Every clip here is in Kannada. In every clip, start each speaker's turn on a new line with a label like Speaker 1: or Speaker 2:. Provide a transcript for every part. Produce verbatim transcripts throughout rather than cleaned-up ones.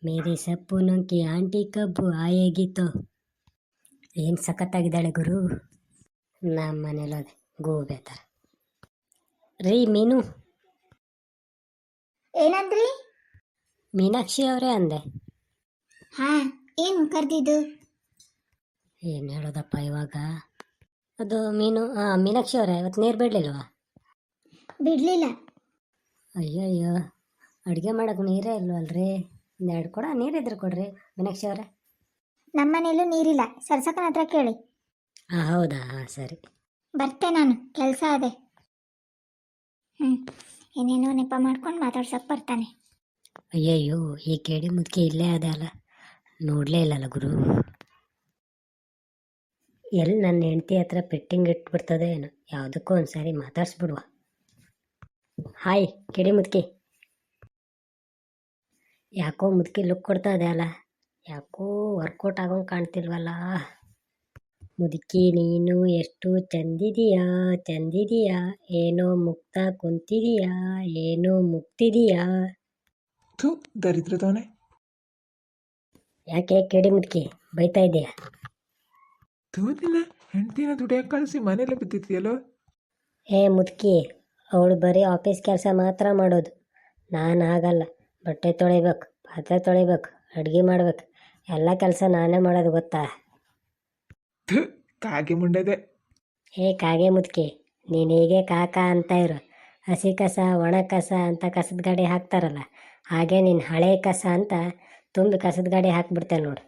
Speaker 1: ಮೇರಿ ಸಪ್ಪುನಂ ಕಿ ಆಂಟಿ ಕಬ್ಬು ಆಯೇಗಿತ್ತು. ಏನು ಸಖತ್ತಾಗಿದ್ದಾಳೆ ಗುರು. ನಮ್ಮ ಮನೇಲದೆ ಗೋಬೆ ಥರ. ರೀ ಮೀನು.
Speaker 2: ಏನಂದ್ರಿ?
Speaker 1: ಮೀನಾಕ್ಷಿ ಅವರೇ ಅಂದೆ.
Speaker 2: ಹಾ, ಏನು ಕರೆದಿದ್ದು?
Speaker 1: ಏನು ಹೇಳೋದಪ್ಪ ಇವಾಗ. ಅದು ಮೀನು ಮೀನಾಕ್ಷಿ ಅವರೇ, ಇವತ್ತು ನೀರು ಬಿಡಲಿಲ್ವಾ?
Speaker 2: ಬಿಡಲಿಲ್ಲ.
Speaker 1: ಅಯ್ಯಯ್ಯೋ, ಅಡುಗೆ ಮಾಡೋಕೆ ನೀರೇ ಇಲ್ವಲ್ರಿ. ಒಂದೆರಡು ಕೊಡ ನೀರಿದ್ರೆ ಕೊಡ್ರಿ ಮೀನಾಕ್ಷಿ ಅವರೇ.
Speaker 2: ನಮ್ಮ ಮನೇಲೂ ನೀರಿಲ್ಲ, ಸರ್ಸಕ್ಕನ ಹತ್ರ ಕೇಳಿ.
Speaker 1: ಹಾಂ ಹೌದಾ, ಹಾಂ ಸರಿ.
Speaker 2: ಬರ್ತೆ ನಾನು, ಕೆಲಸ ಅದೇ. ಹ್ಞೂ ಏನೇನೋ ನೆಪ ಮಾಡ್ಕೊಂಡು ಮಾತಾಡ್ಸೋಕೆ ಬರ್ತಾನೆ.
Speaker 1: ಅಯ್ಯಯ್ಯೋ, ಈ ಕೇಳಿ ಮುದುಕಿ ಇಲ್ಲೇ ಅದೇ ಅಲ್ಲ, ನೋಡಲೇ ಇಲ್ಲಲ್ಲ ಗುರು. ಎಲ್ಲಿ ನನ್ನ ಹೆಂಡತಿ ಹತ್ರ ಪೆಟ್ಟಿಂಗ್ ಇಟ್ಬಿಡ್ತದೆ ಏನೋ. ಯಾವುದಕ್ಕೂ ಒಂದು ಸಾರಿ ಮಾತಾಡ್ಸ್ಬಿಡುವ. ಹಾಯ್ ಕಿಡಿ ಮುದುಕಿ. ಯಾಕೋ ಮುದುಕಿ ಲುಕ್ ಕೊಡ್ತಾ ಇದೆ ಅಲ್ಲ, ಯಾಕೋ ವರ್ಕೌಟ್ ಆಗೋಂಗೆ ಕಾಣ್ತಿಲ್ವಲ್ಲ. ಮುದುಕಿ ನೀನು ಎಷ್ಟು ಚಂದಿದೀಯಾ ಚಂದಿದೀಯಾ, ಏನೋ ಮುಕ್ತ ಕುಂತಿದೀಯಾ, ಏನೋ ಮುಕ್ತಿದೀಯಾ.
Speaker 3: ಥೂ ದರಿದ್ರದವನೇ.
Speaker 1: ಯಾಕೆ ಕಿಡಿ ಮುದುಕಿ ಬೈತಾ ಇದೆಯಾ?
Speaker 3: ಥೂ ನಿನ್ನ ಹೆಂಡ್ತಿನ ದುಡಿಯೋಕೆ ಕಳಿಸಿ ಮನೇಲೆ ಬಿದ್ದಿದ್ಯಲ್ಲೋ.
Speaker 1: ಏ ಮುದುಕಿ, ಅವಳು ಬರೀ ಆಫೀಸ್ ಕೆಲಸ ಮಾತ್ರ ಮಾಡೋದು. ನಾನು ಆಗಲ್ಲ. ಬಟ್ಟೆ ತೊಳಿಬೇಕು, ಪಾತ್ರೆ ತೊಳಿಬೇಕು, ಅಡುಗೆ ಮಾಡ್ಬೇಕು, ಎಲ್ಲ ಕೆಲಸ ನಾನೇ ಮಾಡೋದು ಗೊತ್ತಾ?
Speaker 3: ಥೂ ಕಾಗೆ ಮುಂಡೆದೆ.
Speaker 1: ಏ ಕಾಗೆ ಮುದುಕಿ, ನೀನು ಹೀಗೆ ಕಾಕ ಅಂತ ಇರು. ಹಸಿ ಕಸ ಒಣ ಕಸ ಅಂತ ಕಸದ ಗಾಡಿ ಹಾಕ್ತಾರಲ್ಲ, ಹಾಗೆ ನೀನು ಹಳೆ ಕಸ ಅಂತ ತುಂಬಿ ಕಸದ ಗಾಡಿ ಹಾಕ್ಬಿಡ್ತೇನೆ ನೋಡು.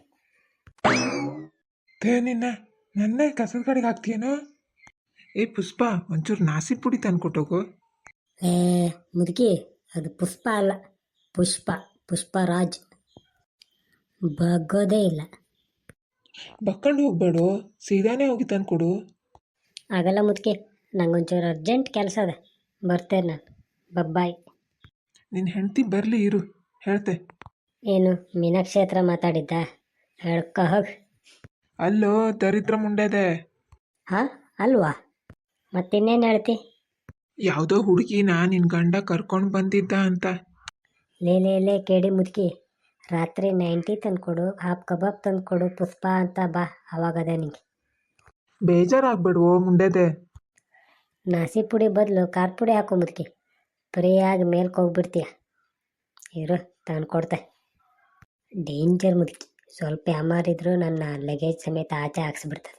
Speaker 3: ಥೇ ನಿನ್ನ ನನ್ನೇ ಕಸದ ಗಾಡಿಗೆ ಹಾಕ್ತೀಯೇನೋ. ಏ ಪುಷ್ಪ, ಒಂಚೂರು ನಾಸಿ ಪುಡಿ ತಂದ್ಕೊಟ್ಟೋಗು.
Speaker 1: ಏ ಮುದುಕಿ, ಅದು ಪುಷ್ಪ ಅಲ್ಲ, ಪುಷ್ಪ ಪುಷ್ಪರಾಜ್. ಬಗ್ಗೋದೇ ಇಲ್ಲ.
Speaker 3: ಬಕ್ಕೊಂಡು ಹೋಗ್ಬೇಡು, ಸೀದಾನೇ ಹೋಗಿ ತಂದ್ಕೊಡು.
Speaker 1: ಆಗಲ್ಲ ಮುದುಕಿ, ನಂಗೊಂಚೂರು ಅರ್ಜೆಂಟ್ ಕೆಲಸ ಅದ, ಬರ್ತೇನೆ ನಾನು. ಬಬ್ಬಾಯ್.
Speaker 3: ನಿನ್ನ ಹೆಂಡ್ತಿ ಬರಲಿ ಇರು, ಹೇಳ್ತೆ.
Speaker 1: ಏನು ಮೀನಾಕ್ಷಿ ಹತ್ರ ಮಾತಾಡಿದ್ದ? ಹೇಳ್ಕ ಹೋಗಿ.
Speaker 3: ಅಲ್ಲೋ ದರಿದ್ರ ಮುಂಡೆದೆ.
Speaker 1: ಹಾಂ ಅಲ್ವಾ, ಮತ್ತಿನ್ನೇನು ಹೇಳ್ತಿ?
Speaker 3: ಯಾವುದೋ ಹುಡುಗಿನ ನಿನ್ನ ಗಂಡ ಕರ್ಕೊಂಡು ಬಂದಿದ್ದ ಅಂತ.
Speaker 1: ಲೇ ಲೇ ಲೇ ಕೇಳಿ ಮುದುಕಿ, ರಾತ್ರಿ ನೈಂಟಿ ತಂದ್ಕೊಡು, ಹಾಫ್ ಕಬಾಬ್ ತಂದ್ಕೊಡು ಪುಷ್ಪ ಅಂತ ಬಾ, ಅವಾಗದ ನಿಂಗೆ.
Speaker 3: ಬೇಜಾರಾಗ್ಬೇಡುವೋ ಮುಂಡೆದೆ.
Speaker 1: ನಾಸಿ ಪುಡಿ ಬದಲು ಖಾರ ಪುಡಿ ಹಾಕೋ ಮುದುಕಿ, ಫ್ರೀಯಾಗಿ ಮೇಲ್ಕೆ ಹೋಗ್ಬಿಡ್ತೀಯ. ಇರು ತಂದ್ಕೊಡ್ತೆ. ಡೇಂಜರ್ ಮುದುಕಿ, ಸ್ವಲ್ಪ ಯಾಮಾರಿದ್ರು ನನ್ನ ಲಗೇಜ್ ಸಮೇತ ಆಚೆ ಹಾಕ್ಸ್ಬಿಡ್ತದೆ.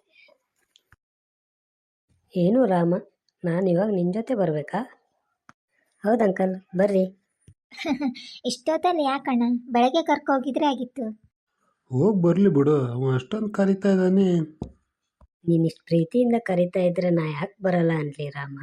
Speaker 1: ಏನು ರಾಮ, ನಾನು ಇವಾಗ ನಿನ್ನ ಜೊತೆ ಬರಬೇಕಾ? ಹೌದು ಅಂಕಲ್, ಬರ್ರಿ.
Speaker 2: ಇಷ್ಟೊತ್ತಲ್ಲಿ ಯಾಕಣ್ಣ, ಬೆಳಗ್ಗೆ ಕರ್ಕೋಗಿದ್ರೆ ಆಗಿತ್ತು.
Speaker 4: ಹೋಗಿ ಬರಲಿ ಬಿಡು, ಅವ ಅಷ್ಟೊಂದು ಕರಿತಾ ಇದ್ದಾನೆ.
Speaker 1: ನೀನು ಇಷ್ಟು ಪ್ರೀತಿಯಿಂದ ಕರಿತಾ ಇದ್ರೆ ನಾ ಯಾಕೆ ಬರಲ್ಲ ಅನ್ಲಿ ರಾಮ.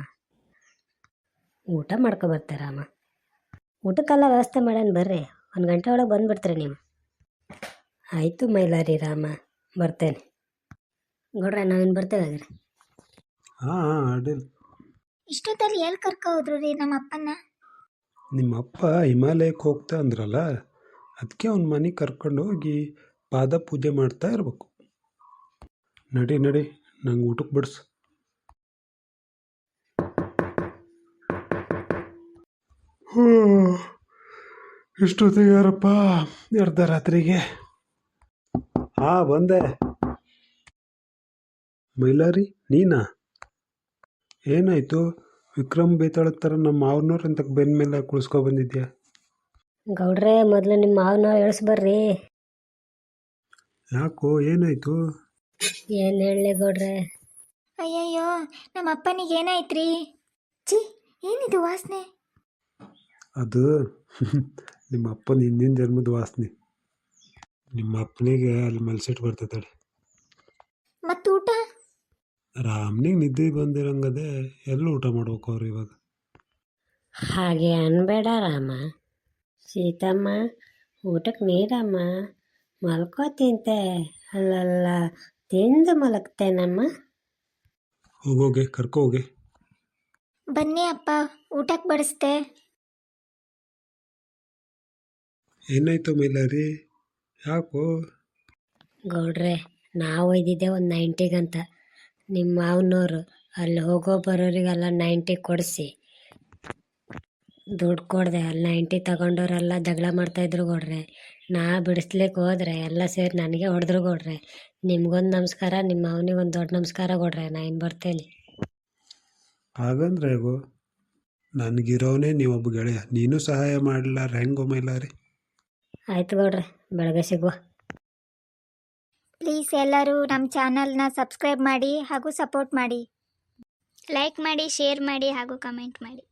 Speaker 1: ಊಟ ಮಾಡ್ಕೊ ಬರ್ತೆ ರಾಮ. ಊಟಕ್ಕೆಲ್ಲ ವ್ಯವಸ್ಥೆ ಮಾಡೋಣ ಬರ್ರಿ, ಒಂದು ಗಂಟೆ ಒಳಗೆ ಬಂದುಬಿಡ್ತೀರಿ ನೀವು. ಆಯಿತು ಮೈಲಾರಿ ರಾಮ, ಬರ್ತೇನೆ. ಗೌಡ್ರೆ ನಾವೇನು ಬರ್ತೇವೆ ಹಾಗಾದ್ರೆ.
Speaker 4: ಹಾಂ ಹಾಂ ಅಡ್ಡಿಲ್ಲ.
Speaker 2: ಇಷ್ಟೊತ್ತಲ್ಲಿ ಎಲ್ಲಿ ಕರ್ಕೊ ಹೋದ್ರು ರೀ ನಮ್ಮ ಅಪ್ಪನ?
Speaker 4: ನಿಮ್ಮಪ್ಪ ಹಿಮಾಲಯಕ್ಕೆ ಹೋಗ್ತಾ ಅಂದ್ರಲ್ಲ, ಅದಕ್ಕೆ ಅವ್ನ ಮನೆಗೆ ಕರ್ಕೊಂಡು ಹೋಗಿ ಪಾದ ಪೂಜೆ ಮಾಡ್ತಾ ಇರಬೇಕು. ನಡಿ ನಡಿ, ನಂಗೆ ಊಟಕ್ಕೆ ಬಿಡಿಸು. ಹ್ಞೂ ಇಷ್ಟೊತ್ತಿಗೆ ಯಾರಪ್ಪ ಅರ್ಧ ರಾತ್ರಿಗೆ? ಹಾಂ ಬಂದೆ. ಮೈಲಾರಿ ನೀನಾ? ಏನಾಯಿತು? ವಿಕ್ರಮ್ ಬೇತಾಳ ಥರ ನಮ್ಮ ಮಾವನವ್ರು ಅಂತ ಬೆನ್ನ ಮೇಲೆ ಕುಳಿಸ್ಕೊ ಬಂದಿದ್ಯಾ?
Speaker 1: ಗೌಡ್ರೆ ಮೊದಲು ನಿಮ್ಮ ಮಾವನ ಇಳಿಸ್ಬರ್ರಿ.
Speaker 4: ಯಾಕೋ ಏನಾಯಿತು?
Speaker 1: ಏನು ಹೇಳಲಿ ಗೌಡ್ರೆ?
Speaker 2: ಅಯ್ಯಯ್ಯೋ, ನಮ್ಮ ಅಪ್ಪನಿಗೆ ಏನಾಯ್ತ್ರಿ? ಚಿ, ಏನಿದು ವಾಸನೆ?
Speaker 4: ಅದು ನಿಮ್ಮ ಅಪ್ಪನ ಹಿಂದಿನ ಜನ್ಮದ ವಾಸನೆ. ನಿಮ್ಮ ಅಪ್ಪನಿಗೆ ಅಲ್ಲಿ ಮಲ್ಸಿಟ್ಟು ಬರ್ತೈತಾಳೆ.
Speaker 2: ಮತ್ತು ಊಟ?
Speaker 4: ರಾಮ್ನಿಗೆ ನಿದ್ದೆ ಬಂದಿರಂಗದೆ ಎಲ್ಲಿ ಊಟ ಮಾಡ್ಬೇಕು ಅವ್ರು ಇವಾಗ?
Speaker 1: ಹಾಗೆ ಅನ್ಬೇಡ ರಾಮ. ಸೀತಮ್ಮ, ಊಟಕ್ಕೆ ನೀರಮ್ಮ, ಮಲ್ಕೋ ತಿಂತೆ. ಅಲ್ಲಲ್ಲ, ತಿಂದು ಮಲಗ್ತೇನಮ್ಮ.
Speaker 4: ಹೋಗೋಗೆ ಕರ್ಕೊ ಹೋಗಿ.
Speaker 2: ಬನ್ನಿ ಅಪ್ಪ, ಊಟಕ್ಕೆ ಬಡಿಸ್ತೆ.
Speaker 4: ಏನಾಯ್ತು ಮೈಲಾರಿ, ಯಾಕೋ?
Speaker 1: ಗೌಡ್ರೆ, ನಾವು ಒಯ್ದಿದ್ದೆ ಒಂದು ನೈಂಟಿಗಂತ. ನಿಮ್ಮ ಮಾವನವರು ಅಲ್ಲಿ ಹೋಗೋ ಬರೋರಿಗೆಲ್ಲ ನೈಂಟಿ ಕೊಡಿಸಿ ದುಡ್ಡು ಕೊಡದೆ ಅಲ್ಲಿ ನೈಂಟಿ ತಗೊಂಡವರೆಲ್ಲ ಜಗಳ ಮಾಡ್ತಾಯಿದ್ರು ಗೌಡ್ರೆ. ನಾ ಬಿಡಿಸ್ಲಿಕ್ಕೆ ಹೋದ್ರೆ ಎಲ್ಲ ಸೇರಿ ನನಗೆ ಹೊಡೆದ್ರು ಗೌಡ್ರೆ. ನಿಮ್ಗೊಂದು ನಮಸ್ಕಾರ, ನಿಮ್ಮ ಅವನಿಗೊಂದು ದೊಡ್ಡ ನಮಸ್ಕಾರ ಗೌಡ್ರೆ. ನಾ ಇನ್ನು ಬರ್ತೇನೆ.
Speaker 4: ಹಾಗಂದ್ರೆ ಹೇಗೋ ನನಗಿರೋನೇ ನೀವೊಬ್ಬ ಗೆಳೆಯ, ನೀನು ಸಹಾಯ ಮಾಡಲಿಲ್ಲ ಹೆಂಗೋ ಮೈಲಾರಿ.
Speaker 1: ಆಯ್ತು ಗೌಡ್ರೆ, ಬೆಳಗ್ಗೆ ಸಿಗುವ.
Speaker 2: ಪ್ಲೀಸ್ ಎಲ್ಲರೂ ನಮ್ಮ ಚಾನಲ್ನ ಸಬ್ಸ್ಕ್ರೈಬ್ ಮಾಡಿ ಹಾಗೂ ಸಪೋರ್ಟ್ ಮಾಡಿ.
Speaker 5: ಲೈಕ್ ಮಾಡಿ, ಶೇರ್ ಮಾಡಿ ಹಾಗೂ ಕಮೆಂಟ್ ಮಾಡಿ.